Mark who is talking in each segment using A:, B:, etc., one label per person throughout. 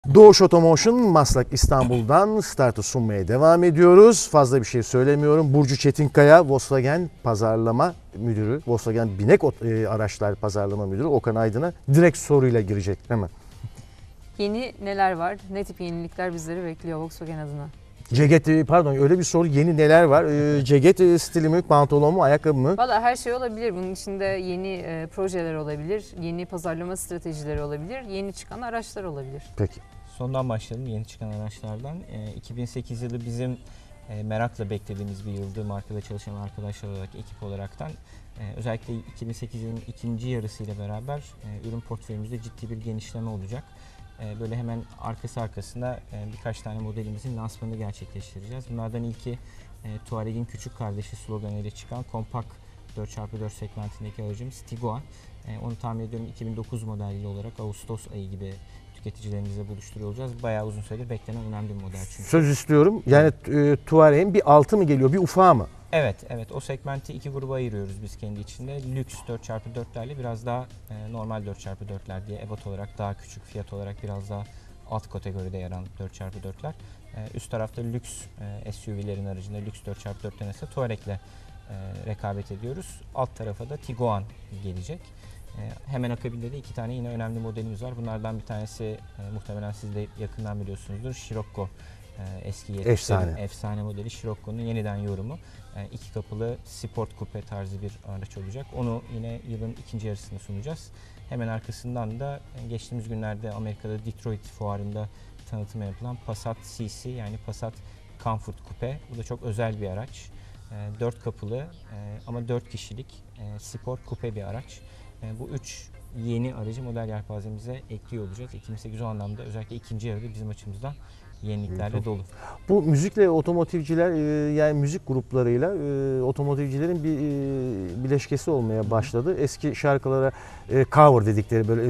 A: Doğuş Otomotion Maslak İstanbul'dan startı sunmaya devam ediyoruz. Fazla bir şey söylemiyorum. Burcu Çetinkaya, Volkswagen Pazarlama Müdürü, Volkswagen Binek Araçlar Pazarlama Müdürü Okan Aydın'a direkt soruyla girecek hemen.
B: Yeni neler var? Ne tip yenilikler bizleri bekliyor Volkswagen adına?
A: Ceket, pardon öyle bir soru, yeni neler var? Ceket stili mi, pantolon mu, ayakkabı mı?
B: Valla her şey olabilir. Bunun içinde yeni projeler olabilir, yeni pazarlama stratejileri olabilir, yeni çıkan araçlar olabilir.
A: Peki.
C: Sondan başlayalım, yeni çıkan araçlardan. 2008 yılı bizim merakla beklediğimiz bir yıldı. Markada çalışan arkadaşlar olarak, ekip olaraktan. Özellikle 2008 yılının ikinci yarısıyla beraber ürün portföyümüzde ciddi bir genişleme olacak. Böyle hemen arkasında birkaç tane modelimizin lansmanını gerçekleştireceğiz. Bunlardan ilki Touareg'in küçük kardeşi sloganıyla çıkan kompakt 4x4 segmentindeki aracımız Tiguan. Onu tahmin ediyorum 2009 modelli olarak Ağustos ayı gibi tüketicilerimizle buluşturuyor olacağız. Bayağı uzun süredir beklenen önemli bir model çünkü.
A: Söz istiyorum. Yani Touareg'in bir altı mı geliyor, bir ufağı mı?
C: Evet. O segmenti iki gruba ayırıyoruz biz kendi içinde. Lüks 4x4'lerle biraz daha normal 4x4'ler diye ebat olarak daha küçük, fiyat olarak biraz daha alt kategoride yer alan 4x4'ler. Üst tarafta lüks SUV'lerin aracında lüks 4x4'ten ise Touareg'le rekabet ediyoruz. Alt tarafa da Tiguan gelecek. Hemen akabinde de iki tane yine önemli modelimiz var. Bunlardan bir tanesi muhtemelen siz de yakından biliyorsunuzdur. Scirocco. Eski 70'lerin efsane modeli Scirocco'nun yeniden yorumu. İki kapılı sport coupe tarzı bir araç olacak. Onu yine yılın ikinci yarısında sunacağız. Hemen arkasından da geçtiğimiz günlerde Amerika'da Detroit fuarında tanıtımı yapılan Passat CC yani Passat Comfort Coupe. Bu da çok özel bir araç. 4 kapılı ama 4 kişilik spor coupe bir araç. Bu 3 yeni aracı model yelpazemize ekliyor olacağız. 2008 o anlamda özellikle ikinci yarıda bizim açımızdan yeniliklerle dolu.
A: Bu müzikle otomotivciler yani müzik gruplarıyla otomotivcilerin bir bileşkesi olmaya başladı. Eski şarkılara cover dedikleri böyle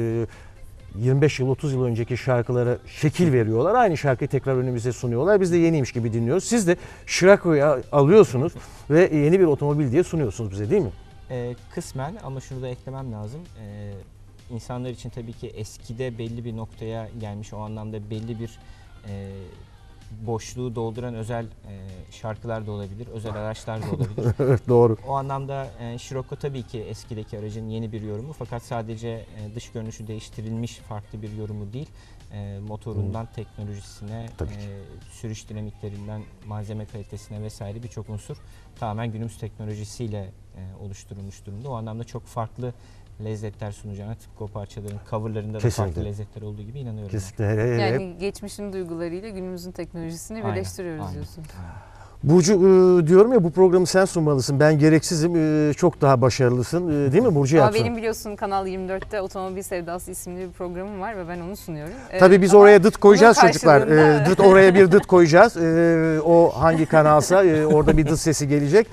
A: 25 yıl 30 yıl önceki şarkılara şekil veriyorlar. Aynı şarkıyı tekrar önümüze sunuyorlar. Biz de yeniymiş gibi dinliyoruz. Siz de Scirocco'yu alıyorsunuz ve yeni bir otomobil diye sunuyorsunuz bize, değil mi?
C: Kısmen ama şunu da eklemem lazım. İnsanlar için tabii ki eskide belli bir noktaya gelmiş, o anlamda belli bir boşluğu dolduran özel şarkılar da olabilir, özel araçlar da olabilir.
A: Evet, doğru.
C: O anlamda Scirocco tabii ki eskideki aracın yeni bir yorumu fakat sadece dış görünüşü değiştirilmiş farklı bir yorumu değil. Motorundan teknolojisine, sürüş dinamiklerinden malzeme kalitesine vesaire birçok unsur tamamen günümüz teknolojisiyle oluşturulmuş durumda. O anlamda çok farklı lezzetler sunacağına, tıpkı o parçaların coverlarında da farklı lezzetler olduğu gibi inanıyorum.
A: Kesinlikle.
B: Yani geçmişin duygularıyla günümüzün teknolojisini birleştiriyoruz diyorsun.
A: Burcu, diyorum ya, bu programı sen sunmalısın. Ben gereksizim. Çok daha başarılısın. Değil mi Burcu?
B: Ama benim biliyorsun Kanal 24'te Otomobil Sevdası isimli bir programım var ve ben onu sunuyorum.
A: Tabii biz oraya dıt koyacağız çocuklar. Oraya bir dıt koyacağız. O hangi kanalsa orada bir dıt sesi gelecek.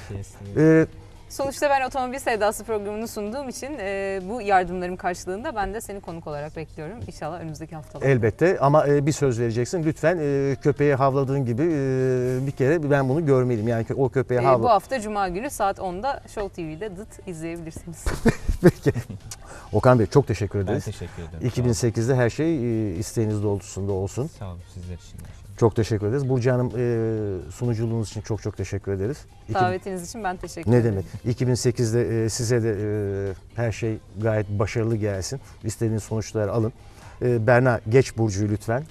B: Sonuçta ben Otomobil Sevdası programını sunduğum için bu yardımlarım karşılığında ben de seni konuk olarak bekliyorum. İnşallah önümüzdeki haftalarda.
A: Elbette ama bir söz vereceksin. Lütfen köpeğe havladığın gibi bir kere ben bunu görmeliyim. Yani o köpeğe havla.
B: Bu hafta Cuma günü saat 10'da Show TV'de dıt izleyebilirsiniz.
A: Peki. Okan Bey çok teşekkür ederiz.
C: Ben teşekkür ederim.
A: 2008'de her şey isteğiniz doğrultusunda olsun.
C: Sağ olun sizler için.
A: Çok teşekkür ederiz. Burcu Hanım, sunuculuğunuz için çok teşekkür ederiz.
B: Davetiniz için ben teşekkür ederim.
A: Ne demek? 2008'de size de her şey gayet başarılı gelsin. İstediğiniz sonuçları alın. Berna, geç Burcu'yu lütfen.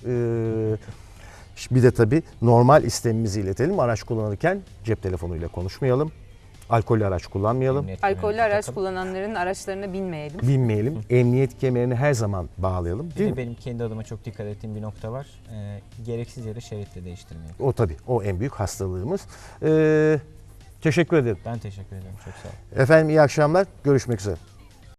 A: Bir de tabii normal istemimizi iletelim. Araç kullanırken cep telefonuyla konuşmayalım. Alkollü araç kullanmayalım.
B: Alkollü araç kullananların araçlarına binmeyelim.
A: Binmeyelim. Emniyet kemerini her zaman bağlayalım. Değil mi?
C: Benim kendi adıma çok dikkat ettiğim bir nokta var. Gereksiz yere şeritle değiştirmeyelim.
A: O tabii. O en büyük hastalığımız. Teşekkür ederim.
C: Ben teşekkür ederim. Çok sağ olun.
A: Efendim iyi akşamlar. Görüşmek üzere.